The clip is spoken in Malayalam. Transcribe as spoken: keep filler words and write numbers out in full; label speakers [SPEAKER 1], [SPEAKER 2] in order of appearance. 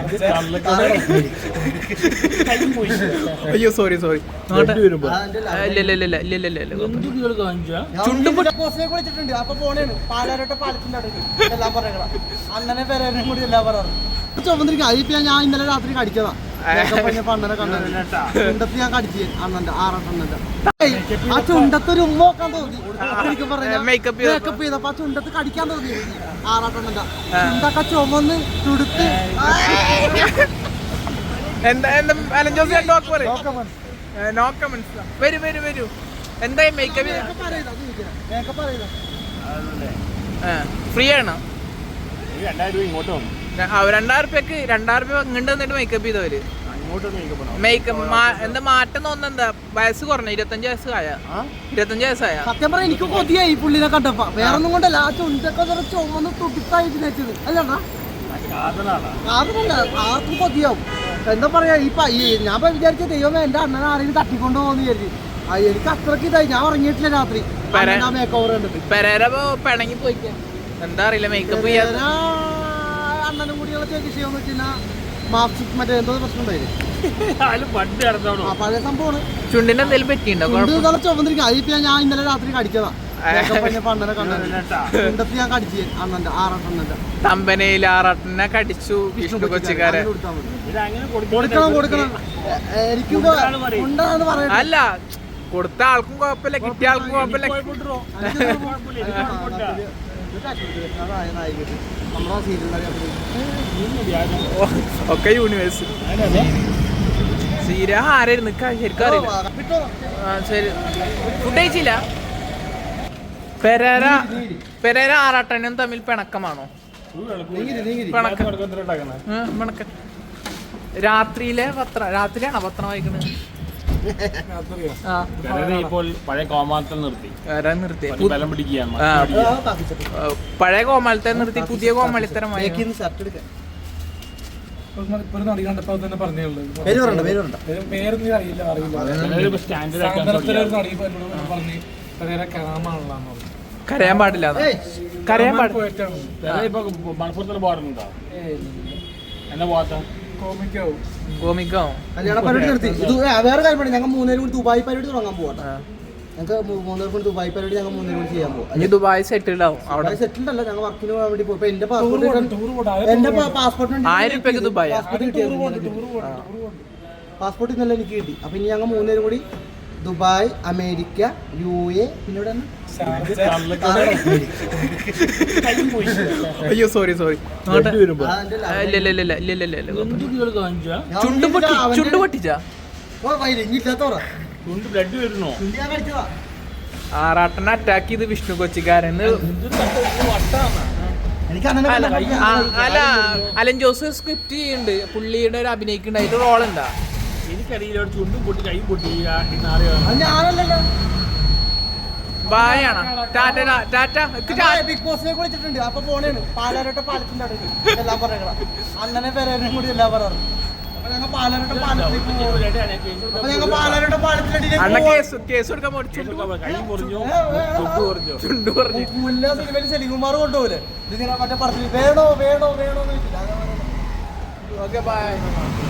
[SPEAKER 1] അയ്യോ സോറി സോറി
[SPEAKER 2] അണ്ണനെ പേരും കൂടി എല്ലാം പറയാറ് ചുമന്നിരിക്കും. അതിപ്പോ ഞാൻ ഇന്നലെ രാത്രി കടിച്ചതാ. അണ്ണനെ കണ്ടത് ഞാൻ കടിച്ചു അണ്ണന്റെ ആറെണ്ണന്റെ ആ ചുണ്ടത്തൊരു ഉമ്മ നോക്കാൻ തോന്നി. എനിക്ക് പറയാം മേക്കപ്പ് ചെയ്തപ്പോ ആ ചുണ്ടത്ത് കടിക്കാൻ തോന്നി. ആറാട്ടെണ്ണന്റെ ചുണ്ടൊക്കെ ചുമന്ന് തുടുത്ത്
[SPEAKER 1] ഫ്രീ ആണോ? രണ്ടായിരം റുപ്യക്ക് രണ്ടായിരം റുപ്യ ഇങ്ങോട്ട് വന്നിട്ട് മേക്കപ്പ് ചെയ്തവര് മേക്കപ്പ് എന്താ മാറ്റം തോന്നുന്ന എന്താ? വയസ്സ് കുറഞ്ഞ ഇരുപത്തഞ്ച് വയസ്സ് ആയ ഇരുപത്തഞ്ച് വയസ്സായ
[SPEAKER 2] സത്യം പറഞ്ഞാൽ എനിക്ക് കൊതിയായി പുള്ളിനെ കണ്ടപ്പോ. വേറെ ഒന്നും കൊണ്ടല്ല, ആ ചുണ്ടൊക്കെ ചുമന്ന് തുടിത്തായിട്ട് വെച്ചത് അല്ലടാ. ആർക്കും കൊതിയാവും. എന്താ പറയാ ഈ ഞാൻ വിചാരിച്ച ദൈവമേ എന്റെ അണ്ണനെ ആരെങ്കിലും തട്ടിക്കൊണ്ടു പോകുന്നു വിചാരിച്ചു. എനിക്ക് അത്രക്ക് ഇതായി. ഞാൻ ഉറങ്ങിയിട്ടില്ല രാത്രി. മേക്ക് ഓവർ കണ്ടിട്ട്
[SPEAKER 1] പിണങ്ങി പോയിക്കാൻ എന്താ അറിയില്ല. മേക്കപ്പ്
[SPEAKER 2] അണ്ണനും കൂടിയുള്ള വിഷയം വെച്ചാൽ മാർക്സിക് മറ്റേ എന്തോ പ്രശ്നം ഉണ്ടായിരുന്നു. പഴയ സംഭവമാണ്.
[SPEAKER 1] ചുണ്ടിന്റെ എന്തെങ്കിലും പറ്റിയുണ്ടോ?
[SPEAKER 2] ചുമന്നിരിക്കും. അതിപ്പോ ഞാൻ ഇന്നലെ രാത്രി കടിച്ചതാ. അണ്ണനെ കണ്ടത് ഞാൻ കടിച്ചു അണ്ണന്റെ ആറെണ്ണന്റെ
[SPEAKER 1] തമ്പനയിൽ ആറെണ്ണനെ കടിച്ചു വിഷ്ണു കൊച്ചിക്കാരൻ.
[SPEAKER 2] കൊടുക്കണം കൊടുക്കണം എനിക്ക് ഉണ്ടാന്ന് പറയാം.
[SPEAKER 1] അല്ല കൊടുത്ത ആൾക്കും കുഴപ്പമില്ല, കിട്ടിയ ആൾക്കും കുഴപ്പമില്ല. ഒക്കെ യൂണിവേഴ്സ് സീര ആരായിരുന്നു ശരിക്കും അറിയില്ല. ശരി ഫുഡ് കഴിച്ചില്ല. പെരേര പെരേര ആറാട്ടനും തമ്മിൽ പിണക്കമാണോ? പിണക്കം രാത്രിയിലെ പത്രം രാത്രിയാണോ പത്രം വായിക്കുന്നത്?
[SPEAKER 3] പഴയ കോമാളത്തെ നിർത്തി
[SPEAKER 1] പഴയ കോമാളത്തെ നിർത്തി പുതിയ കോമാളിത്തരമായി. കരയാൻ പാടില്ല. കരയാൻ പാടില്ല.
[SPEAKER 3] എന്താ പോകാത്ത
[SPEAKER 1] കോമിക്കോ
[SPEAKER 2] കല്യാണ പരിപാടി നിർത്തി. ഇത് വേറെ കാര്യം, ഞങ്ങൾ മൂന്നേരും കൂടി ദുബായ് പരിപാടി തുടങ്ങാൻ പോവാ. ഞങ്ങൾക്ക് മൂന്നേരും കൂടി ദുബായ് പരിപാടി ഞങ്ങൾ മൂന്നേരും കൂടി ചെയ്യാൻ പോകും.
[SPEAKER 1] ദുബായ് സെറ്റിൽഡ് ആവും. അവിടെ
[SPEAKER 2] സെറ്റിൽഡ് അല്ല, ഞങ്ങൾ വർക്കിന് പോകാൻ വേണ്ടി പോകും. എന്റെ പാസ്പോർട്ട് എന്റെ പാസ്പോർട്ട്
[SPEAKER 1] ആയിരം രൂപയ്ക്ക് ദുബായ്
[SPEAKER 2] പാസ്പോർട്ട് ഇന്നലെ എനിക്ക് കിട്ടി. അപ്പൊ ഇനി ഞങ്ങൾ മൂന്നേരും കൂടി ദുബായ്, അമേരിക്ക, യു എ, പിന്നെ
[SPEAKER 1] അയ്യോ സോറി സോറി ചുണ്ട് പൊട്ടി ചുണ്ട് പൊട്ടിച്ചാ ആറാട്ടനെ അറ്റാക്ക് ചെയ്ത് വിഷ്ണു കൊച്ചിക്കാരൻ. അല്ല അലൻ ജോസ് സ്ക്രിപ്റ്റ് ചെയ്യുന്നുണ്ട്, പുള്ളിയുടെ ഒരു അഭിനയിക്കുന്നുണ്ട്. അതിന്റെ റോൾ എന്താ
[SPEAKER 3] എനിക്കറിയില്ല. ചുണ്ടും പൊട്ടി കൈ പൊട്ടി
[SPEAKER 1] ബായാണ്. ടാറ്റ ടാറ്റ
[SPEAKER 2] ബിഗ് ബോസിനെ വിളിച്ചിട്ടുണ്ട്. അപ്പൊ പോണേണ് പാലാരോട്ട പാലത്തിന്റെ അടുത്ത് എല്ലാം പറയണം. അണ്ണനെ പേരും കൂടി എല്ലാം പറയാറ്. അപ്പൊ ഞങ്ങൾ പാലാരോട്ട പാലത്തിൽ അപ്പൊ ഞങ്ങൾ പാലാരോട്ട പാലത്തിന്റെ സെലികുമാർ കൊണ്ടുപോകില്ലേ ഇതിങ്ങനെ മറ്റേ പറഞ്ഞു വേണോ വേണോ വേണോ എന്ന് ചോദിച്ചില്ല.
[SPEAKER 1] Okay by.